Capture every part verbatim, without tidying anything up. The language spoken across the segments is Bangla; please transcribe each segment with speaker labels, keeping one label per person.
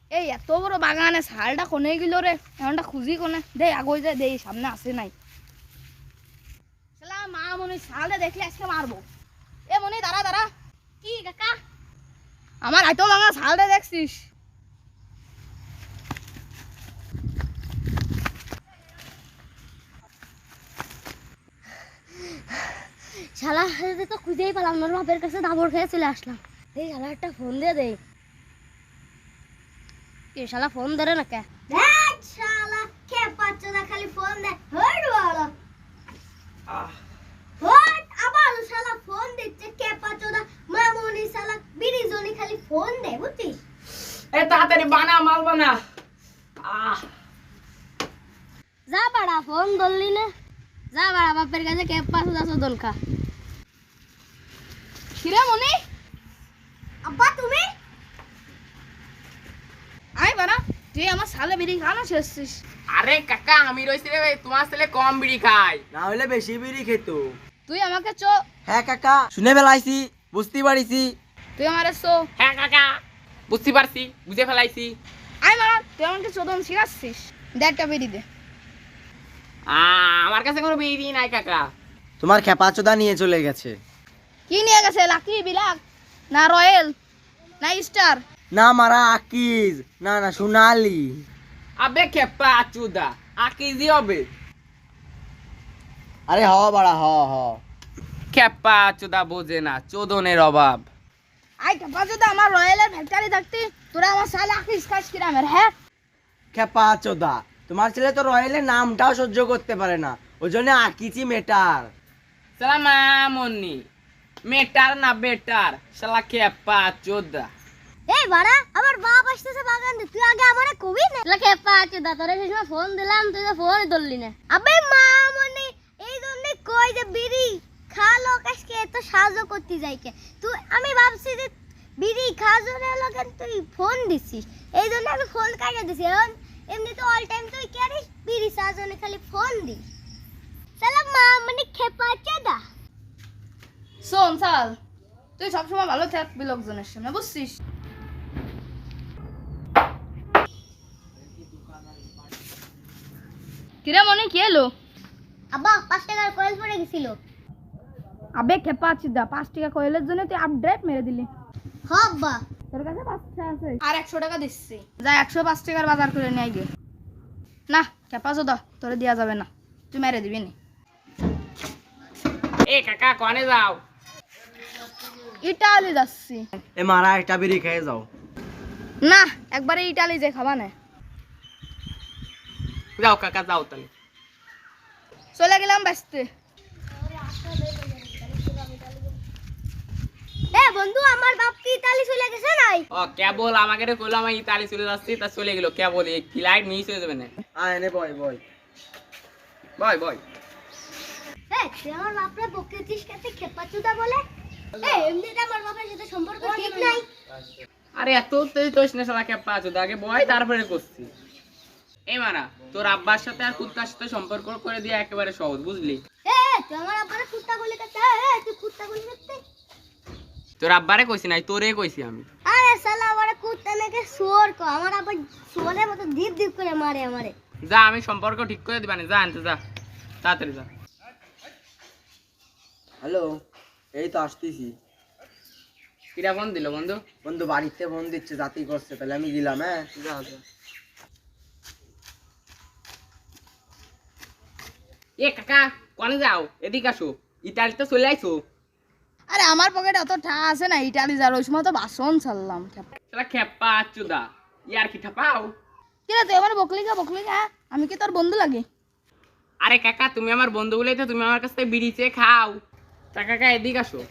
Speaker 1: এই এত বড় বাগানে শালটা কোনে গেল রে? এমনটা খুঁজি কোনে দে, আগে যায় দেই সামনে আসে নাই। শালা মা মনে শালটা দেখলে আজকে মারবো। এ মনে দাঁড়া দাঁড়া। কি কাকা? আমার এত লঙ্গা শালটা দেখছিস?
Speaker 2: শালা তো খুঁজেই পেলাম না, বাপের কাছে দাবর খেয়ে চলে আসলাম। এই শালা একটা ফোন দিয়ে দেই। কি শালা ফোন ধরে না কে? দেখ শালা কে পাচ্ছ না, খালি ফোন দে। হট বড় আহ হট আবার শালা ফোন দিচ্ছে কে পাচ্ছ না। মামুনি শালা বিড়ি জনি খালি ফোন দে, বুঝছিস?
Speaker 3: এ তাড়াতাড়ি বানা, মাল বানা। আহ
Speaker 2: যা বাড়া ফোন ধরলি না, যা বাড়া বাপের কাছে কে পাচ্ছ না চোদন খা।
Speaker 1: কিরে মনি?
Speaker 2: আব্বা তুমি?
Speaker 1: আয় বানা, তুই আমার শালে বিড়ি খানো শেষছিস।
Speaker 3: আরে কাকা আমি রইছি রে ভাই, তোমার ছেলে কম বিড়ি খায়।
Speaker 4: না হলে বেশি বিড়ি খেত।
Speaker 1: তুই আমাকে চো।
Speaker 4: হ্যাঁ কাকা, শুনে ফেলাইছি, বুঝতে পারিছি।
Speaker 1: তুই আমারে চো।
Speaker 3: হ্যাঁ কাকা বুঝতে পারছি, বুঝে ফেলাইছি।
Speaker 1: আয় বানা, তুই আমাকে চোদন শিখাচ্ছিস। দে একটা বিড়ি দে।
Speaker 3: আহ, আমার কাছে কোনো বিড়ি নাই কাকা।
Speaker 4: তোমার খেপাচোদা নিয়ে চলে গেছে।
Speaker 1: কি নিয়ে গেছে? লাকি বিলাক না রয়েল না স্টার?
Speaker 4: না মারা আকিজ, না না সোনালি।
Speaker 3: আবে খেপা চুদা, আকিজি হবে।
Speaker 4: আরে হ বাড়া হ হ।
Speaker 3: খেপা চুদা বোঝে না, চোদনের অভাব।
Speaker 1: আই কাপা যদি আমার রয়েলের ফ্যাক্টরি থাকতি, তোরা আমার শালে আকিস খাস কিরামের। হ্যাঁ
Speaker 4: খেপাচোদা, তোমার ছেলে তো রয়েলের নামটাও সহ্য করতে পারে না, ওই জন্য আকিচি মেটার।
Speaker 3: সালাম মন্নি, মেটার না বেটার, শালা খেপা চোদা।
Speaker 2: এই বাড়া আমার বাপ আসতেছে বাগান দিয়ে, তুই আগে আমারে কবি না। লা কে পাঁচ দা তোরে সেই সময় ফোন দিলাম, তুই তো ফোন ধরলি না। আবে মা মনে এই জন্য কই যে বিড়ি খা লোকাসকে এত সাহায্য করতে যাইকে। তুই আমি ভাবছি যে বিড়ি খা জন্য লগেন তুই ফোন দিছিস, এই জন্য আমি ফোন কাটিয়ে দিছি। এখন এমনি তো অল টাইম তুই ক্যারিস বিড়ি সাজনে খালি ফোন দিস। সালাম মা মানে খেপা চাদা।
Speaker 1: শোন শাল, তুই সবসময় ভালো থাকবি লোকজনের সামনে, বুঝছিস? কিরে মনে কি এলো?
Speaker 2: আব্বা পাঁচ টাকার কয়েল পড়ে গেছিল।
Speaker 1: আবে খেপা চিদা, পাঁচ টাকা কয়েলের জন্য তুই আপডেট মেরে দিলি।
Speaker 2: হ আব্বা
Speaker 1: তোর কাছে পাঁচ টাকা আছে? আর একশো টাকা দিচ্ছি, যা একশো পাঁচ টাকার বাজার করে নিয়ে আইগে। না খেপা চোদা, তোরে দেওয়া যাবে না, তুই মেরে দিবি নি।
Speaker 3: এ কাকা কনে যাও?
Speaker 1: ইটালি যাচ্ছি।
Speaker 4: এ মারা একটা বিড়ি খেয়ে যাও।
Speaker 1: না একবারে ইটালি যে খাবা না।
Speaker 3: যাও কাকা যাও তাহলে।
Speaker 1: চলে গেলাম ব্যস্তে।
Speaker 2: এ বন্ধু আমার বাপ কি ইতালি চলে গেছে নাই?
Speaker 3: ও কেবল আমাকে রে কইলো আমি ইতালি চলে যাচ্ছি, তা চলে গেল কেবল। এই ফ্লাইট মিস হয়ে যাবে না।
Speaker 4: আয় এনে বয় বয়
Speaker 3: বয় বয়।
Speaker 2: এ তুই আমার বাপরে বকেছিস কাছে খেপাচুদা বলে? এ এমনিতে আমার বাপের সাথে সম্পর্ক ঠিক নাই।
Speaker 3: আরে এত তুই তোস না শালা খেপা চোদা, আগে বয় তারপরে করছি। এই মারা তোর আব্বার সাথে আর কুত্তার সাথে সম্পর্ক করে দিয়ে একেবারে সহজ, বুঝলি?
Speaker 2: এ তুই আমার আব্বারে কুত্তা বলে কাছে। এ তুই কুত্তা বলে কাছে?
Speaker 3: তোর আব্বারে কইছি নাই, তোরে কইছি আমি।
Speaker 2: আরে শালা আমারে কুত্তা নাকি শুয়োর কো, আমার আব্বা শুয়োরের মতো দীপ দীপ করে মারে আমারে।
Speaker 3: যা আমি সম্পর্ক ঠিক করে দিবানি, যা আনতে যা, তাড়াতাড়ি যা।
Speaker 4: হ্যালো, এই তো আসতেছি।
Speaker 3: কিরা ফোন দিল বন্ধু?
Speaker 4: বন্ধু বাড়িতে ফোন দিচ্ছে, জাতি করছে, তাহলে আমি গেলাম। হ্যাঁ
Speaker 3: যা যা। এ কাকা কনে যাও? এদিকে আসো, ইতালিতে চলে আইছো।
Speaker 1: আরে আমার পকেটে অত টাকা আছে না ইটালি যার, ওই সময় তো বাসন ছাড়লাম।
Speaker 3: শালা খেপা চোদা, ইয়ার কি ঠাপাও?
Speaker 1: কিরে তুই আমার বকলি গা বকলি গা, আমি কি তোর বন্ধু লাগে?
Speaker 3: আরে কাকা তুমি আমার বন্ধু বলেই তো তুমি আমার কাছ থেকে বিড়ি চেয়ে খাও। তা কাকা এদিকে আসো।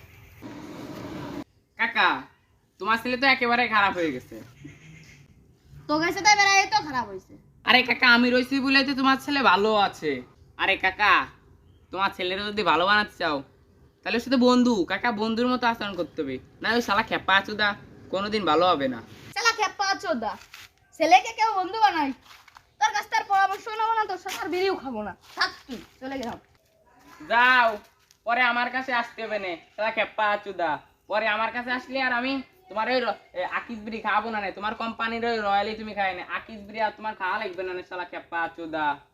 Speaker 3: কাকা তোমার ছেলে তো একেবারে খারাপ হয়ে গেছে।
Speaker 1: তো গেছে তাই বেড়াই তো খারাপ হয়েছে।
Speaker 3: আরে কাকা আমি রইছি বলেই তো তোমার ছেলে ভালো আছে। আরে কাকা তোমার ছেলেরা যদি ভালো বানাতে চাও তাহলে শুধু বন্ধু কাকা বন্ধুর মতো আচরণ করতে হবে, না ওই শালা খেপা চোদা কোনোদিন ভালো হবে না।
Speaker 1: শালা খেপা চোদা, ছেলেকে কেউ বন্ধু বানাই? তোর কাছ থেকে পরামর্শ নেবো না, তোর সাথে আর বিড়িও খাবো না। থাক তুই, চলে গেলাম।
Speaker 3: যাও, পরে আমার কাছে আসতে হবে না শালা খেপা চোদা। পরে আমার কাছে আসলে আর আমি তোমার ওই র- এ, আকিস বিড়ি খাওয়াবো না নে, তোমার কোম্পানির ওই রয়্যালি তুমি খাই না, আকিস বিড়ি আর তোমার খাওয়া লাগবে না নে, শালা খেপা চোদা।